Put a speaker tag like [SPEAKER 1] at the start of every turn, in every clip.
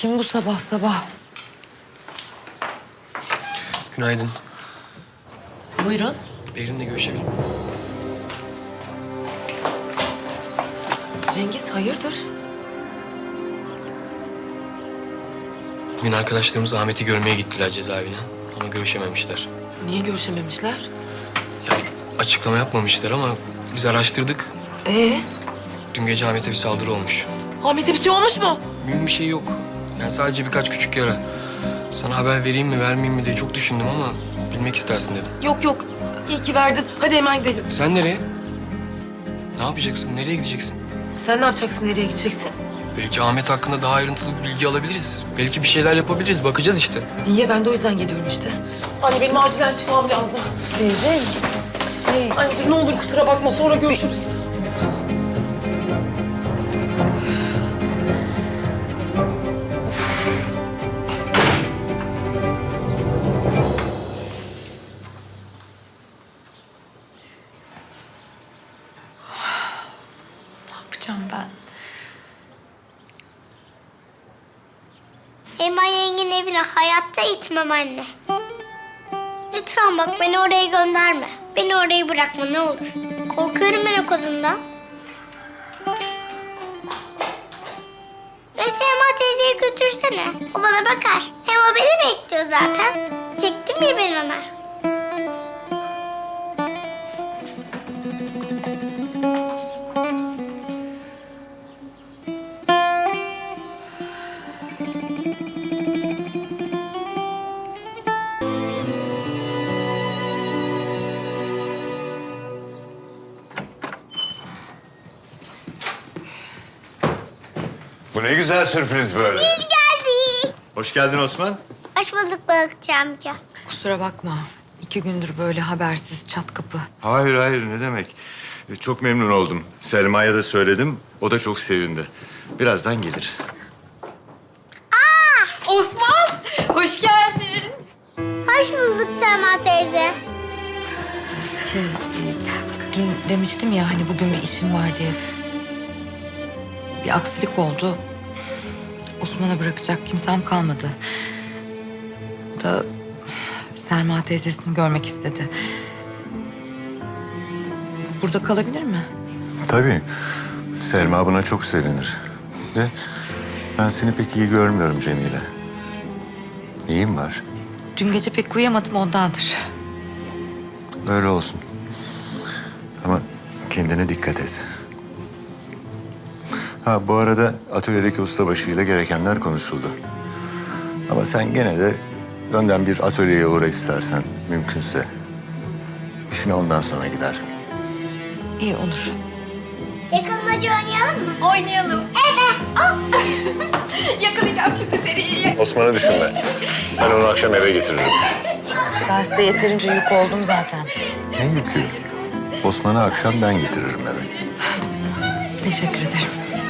[SPEAKER 1] Kim bu sabah sabah?
[SPEAKER 2] Günaydın.
[SPEAKER 1] Buyurun.
[SPEAKER 2] Berin'le görüşebilir miyim?
[SPEAKER 1] Cengiz hayırdır?
[SPEAKER 2] Bugün arkadaşlarımız Ahmet'i görmeye gittiler cezaevine. Ama görüşememişler.
[SPEAKER 1] Niye görüşememişler?
[SPEAKER 2] Ya açıklama yapmamışlar ama biz araştırdık. Dün gece Ahmet'e bir saldırı olmuş.
[SPEAKER 1] Ahmet'e bir şey olmuş mu?
[SPEAKER 2] Mühim bir şey yok. Yani sadece birkaç küçük yara. Sana haber vereyim mi vermeyeyim mi diye çok düşündüm ama bilmek istersin dedim.
[SPEAKER 1] Yok yok. İyi ki verdin. Hadi hemen gidelim.
[SPEAKER 2] Sen nereye? Ne yapacaksın? Nereye gideceksin?
[SPEAKER 1] Sen ne yapacaksın? Nereye gideceksin?
[SPEAKER 2] Belki Ahmet hakkında daha ayrıntılı bir bilgi alabiliriz. Belki bir şeyler yapabiliriz. Bakacağız işte.
[SPEAKER 1] İyi ya ben de o yüzden geliyorum işte. Anne benim acilen çıkmam lazım. Anneciğim ne olur kusura bakma sonra görüşürüz. Ne yapacağım ben?
[SPEAKER 3] Elma yengenin evine hayatta gitmem anne. Lütfen bak beni oraya gönderme. Beni oraya bırakma ne olur. Korkuyorum ben o kadından. Ve Selma teyzeyi götürsene. O bana bakar. Hem o beni bekliyor zaten. Çektim ya ben ona.
[SPEAKER 4] Bu ne güzel sürpriz böyle.
[SPEAKER 3] Biz geldik.
[SPEAKER 4] Hoş geldin Osman.
[SPEAKER 3] Hoş bulduk balıkçı amca.
[SPEAKER 1] Kusura bakma. 2 gündür böyle habersiz çat kapı.
[SPEAKER 4] Hayır hayır ne demek. Çok memnun oldum. Selma'ya da söyledim. O da çok sevindi. Birazdan gelir.
[SPEAKER 1] Osman! Hoş geldin.
[SPEAKER 3] Hoş bulduk Selma teyze.
[SPEAKER 1] Dün demiştim ya hani bugün bir işim var diye. Bir aksilik oldu. Osman'a bırakacak kimsem kalmadı. O da Selma teyzesini görmek istedi. Burada kalabilir mi?
[SPEAKER 4] Tabii. Selma buna çok sevinir. De ben seni pek iyi görmüyorum Cemile. Neyin var?
[SPEAKER 1] Dün gece pek uyuyamadım ondandır.
[SPEAKER 4] Öyle olsun. Ama kendine dikkat et. Ha bu arada atölyedeki ustabaşıyla gerekenler konuşuldu. Ama sen gene de önden bir atölyeye uğra istersen mümkünse. İşine ondan sonra gidersin.
[SPEAKER 1] İyi olur.
[SPEAKER 3] Yakalımacı oynayalım mı?
[SPEAKER 5] Oynayalım.
[SPEAKER 3] Evet.
[SPEAKER 5] Yakalayacağım şimdi seni.
[SPEAKER 4] Osman'ı düşünme. Ben onu akşam eve getiririm.
[SPEAKER 1] Ben size yeterince yük oldum zaten.
[SPEAKER 4] Ne yükü? Osman'ı akşam ben getiririm eve.
[SPEAKER 1] Teşekkür ederim.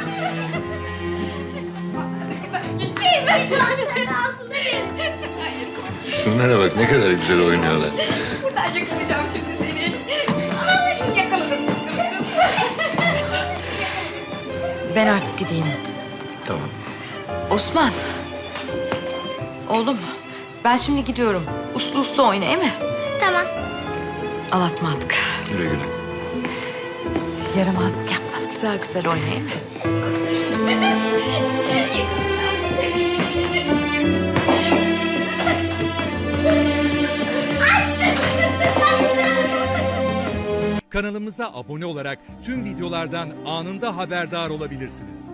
[SPEAKER 4] Şunlara bak ne kadar güzel oynuyorlar.
[SPEAKER 5] Buradan yakalayacağım şimdi seni. Yakaladım.
[SPEAKER 1] Ben artık gideyim.
[SPEAKER 4] Tamam.
[SPEAKER 1] Osman. Oğlum ben şimdi gidiyorum. Uslu uslu oyna değil mi?
[SPEAKER 3] Tamam.
[SPEAKER 1] Allah'a ısmarladık.
[SPEAKER 4] Güle güle.
[SPEAKER 1] Yaramazlık yapma. Güzel güzel oyna değil mi?
[SPEAKER 6] Kanalımıza abone olarak tüm videolardan anında haberdar olabilirsiniz.